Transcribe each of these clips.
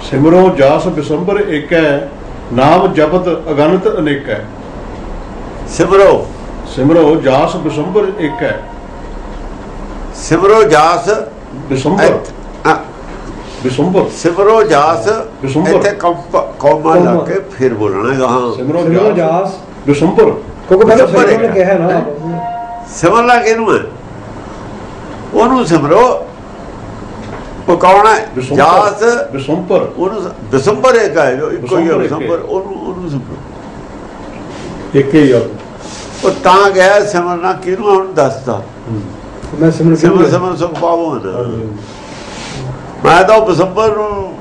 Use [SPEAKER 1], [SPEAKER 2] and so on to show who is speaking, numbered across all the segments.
[SPEAKER 1] सिमरो जास बिसंबर एक है, नाम जपत अगणित अनेक है।
[SPEAKER 2] सिमरो
[SPEAKER 1] सिमरो जास बिसंबर एक है।
[SPEAKER 2] सिमरो जास
[SPEAKER 1] बिसंबर बिसंबर
[SPEAKER 2] सिमरो जास
[SPEAKER 1] बिसंबर
[SPEAKER 2] इत्थे कौमा ला के फिर बोलना है। हाँ
[SPEAKER 1] सिमरो जास बिसंबर,
[SPEAKER 3] क्योंकि पहले
[SPEAKER 2] बिसंबर
[SPEAKER 3] सिमरन ने कहा है ना,
[SPEAKER 2] सिमरना किनू है? ओनू सिमरो। वो कौन है? जास
[SPEAKER 1] बिसंबर,
[SPEAKER 2] ओनू बिसंबर एक है जो इको ही है। बिसंबर ओनू सिमरो
[SPEAKER 1] एक ही है।
[SPEAKER 2] वो तां गया सिमरना किनू हुण दसदा।
[SPEAKER 3] मैं सिमरन
[SPEAKER 2] सिमर सिमर सुख पावो ना। मैं तो बिसंबर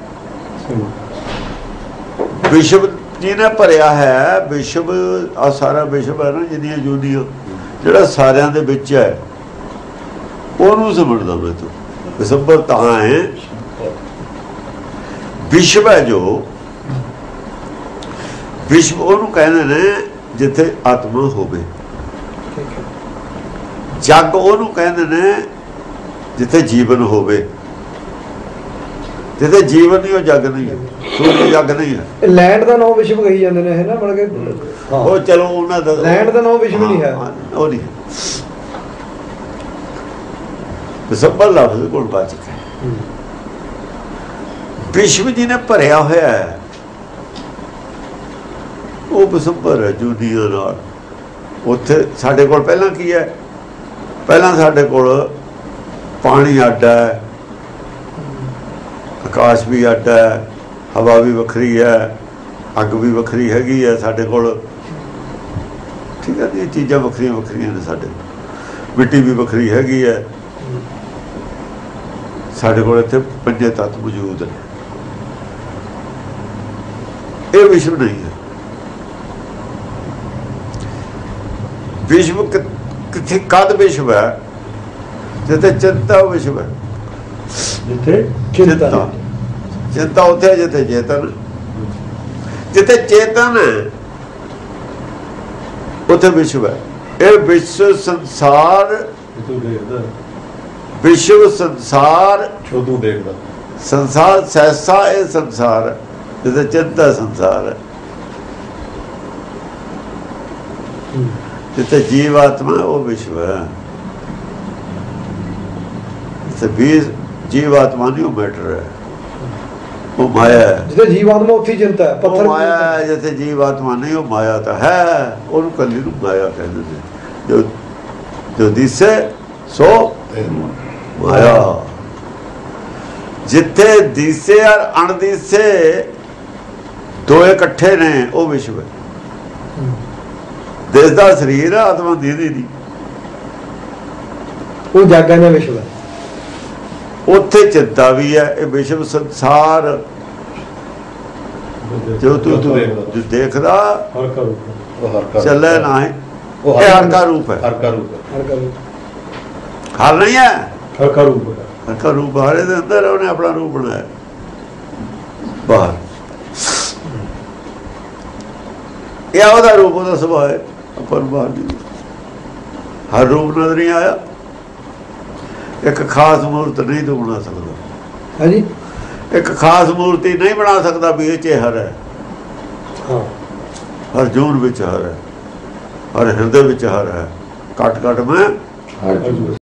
[SPEAKER 2] विश्व जी ने भरिया है। विश्व आ सारा विश्व है ना, जिन्नियां जूनियां ਜਿਹੜਾ ਸਾਰਿਆਂ ਦੇ ਵਿੱਚ ਹੈ, ਉਹਨੂੰ ਸਮਝਦਾ ਮੈਂ ਤੂੰ। ਬਿਸੰਬਰ ਤਾਂ ਹੈ ਵਿਸ਼ਵ ਹੈ ਜੋ ਵਿਸ਼ਵ ਉਹਨੂੰ ਕਹਿੰਦੇ ਨੇ ਜਿੱਥੇ ਆਤਮਾ ਹੋਵੇ। ਜਗ ਉਹਨੂੰ ਕਹਿੰਦੇ ਨੇ ਜਿੱਥੇ ਜੀਵਨ ਹੋਵੇ। ਜਿੱਥੇ ਜੀਵਨ ਨਹੀਂ ਉਹ ਜਗ ਨਹੀਂ ਹੈ, ਸੂਰਜ ਜਗ ਨਹੀਂ ਹੈ।
[SPEAKER 3] लैंड का नाम विश्व कही जाते हैं है ना, मतलब कि
[SPEAKER 2] ਉਹ ਚਲੋ ਉਹਨਾਂ ਦਾ
[SPEAKER 3] लैंड का नाम विश्व नहीं है।
[SPEAKER 2] ਉਹ ਨਹੀਂ ਬਿਸੰਬਰ ਲਫ਼ਜ਼ ਕੋਲ ਵਾਚਕ ਹੈ। ਵਿਸ਼ਵ ਜੀ ਨੇ ਭਰਿਆ ਹੋਇਆ ਹੈ, ਉਹ ਬਿਸੰਬਰ ਹੈ ਜੁਨੀਆਂ ਨਾਲ। ਉੱਥੇ ਸਾਡੇ ਕੋਲ ਪਹਿਲਾਂ ਕੀ ਹੈ? ਪਹਿਲਾਂ ਸਾਡੇ ਕੋਲ ਪਾਣੀ ਅੱਡ ਹੈ, ਆਕਾਸ਼ ਵੀ ਅੱਡ ਹੈ, ਹਵਾ ਵੀ ਵੱਖਰੀ ਹੈ, ਅੱਗ ਵੀ ਵੱਖਰੀ ਹੈਗੀ ਹੈ ਸਾਡੇ ਕੋਲ। ਠੀਕ ਹੈ, ਇਹ ਚੀਜ਼ਾਂ ਵੱਖਰੀਆਂ ਵੱਖਰੀਆਂ ਨੇ ਸਾਡੇ ਕੋਲ। ਮਿੱਟੀ ਵੀ ਵੱਖਰੀ ਹੈਗੀ ਹੈ ਸਾਡੇ ਕੋਲ। ਇੱਥੇ ਪੰਜੇ ਤੱਤ ਮੌਜੂਦ ਨੇ। ਇਹ ਵਿਸ਼ਵ ਨਹੀਂ ਹੈ। ਵਿਸ਼ਵ ਕਿੱਥੇ ਕਦ ਵਿਸ਼ਵ ਹੈ? ਜਿੱਥੇ ਚਿੰਤਾ ਵਿਸ਼ਵ ਹੈ।
[SPEAKER 1] जिथे
[SPEAKER 2] ਚਿੰਤਾ ਚਿੰਤਾ ਉੱਥੇ ਹੈ ਜਿੱਥੇ ਚੇਤਨ। ਜਿੱਥੇ ਚੇਤਨ ਹੈ ਉੱਥੇ ਵਿਸ਼ਵ ਹੈ। ਇਹ ਵਿਸ਼ਵ ਸੰਸਾਰ,
[SPEAKER 1] तू देखदा
[SPEAKER 2] ਵਿਸ਼ਵ ਸੰਸਾਰ
[SPEAKER 1] जो तू देखदा
[SPEAKER 2] ਸੰਸਾਰ ਸਹਿਸਾ। ਇਹ ਸੰਸਾਰ ਹੈ ਜਿੱਥੇ ਚਿੰਤਾ ਸੰਸਾਰ ਹੈ। ਜਿੱਥੇ ਜੀਵ ਆਤਮਾ ਉਹ ਵਿਸ਼ਵ ਹੈ। ਜਿੱਥੇ ਜੀਵ ਆਤਮਾ ਨਹੀਂ, ਉਹ ਮੈਟਰ ਹੈ, ਉਹ ਮਾਇਆ ਹੈ।
[SPEAKER 3] जिसे जीवात्मा उत्थी चिंता है, पत्थर
[SPEAKER 2] माया है। जैसे जीव आत्मा नहीं, वो माया तो है। और कली नूं माया कहते हैं। जो दिसे सो माया। जिथे दिसे और अणदिसे दो इकट्ठे ने, वो विश्व है। दिसदा शरीर है, आत्मा दीदी नहीं।
[SPEAKER 3] वो जागा ने विश्व है।
[SPEAKER 2] उत्थे चिंता भी है। ये विश्व संसार जो तू देखदा
[SPEAKER 1] हर का रूप है, वो हर का
[SPEAKER 2] चले ना है। ये हर का रूप है।
[SPEAKER 1] हर का रूप है,
[SPEAKER 3] हर का रूप।
[SPEAKER 2] हर नहीं है,
[SPEAKER 1] हर का रूप है।
[SPEAKER 2] हर का रूप बाहर दे अंदर उन्हें अपना रूप बनाया बाहर। यह ओदा रूप, ओदा सुभाव है। अपन बाहर नहीं, हर रूप नजर नहीं आया। एक खास मूर्त नहीं तू बना सकता।
[SPEAKER 3] हाँ जी,
[SPEAKER 2] एक खास मूर्ति नहीं बना सकता भी ये च हर है।
[SPEAKER 3] हाँ,
[SPEAKER 2] हर जून विच हर है, हर हृदय विच हर है। कट कट में
[SPEAKER 1] हर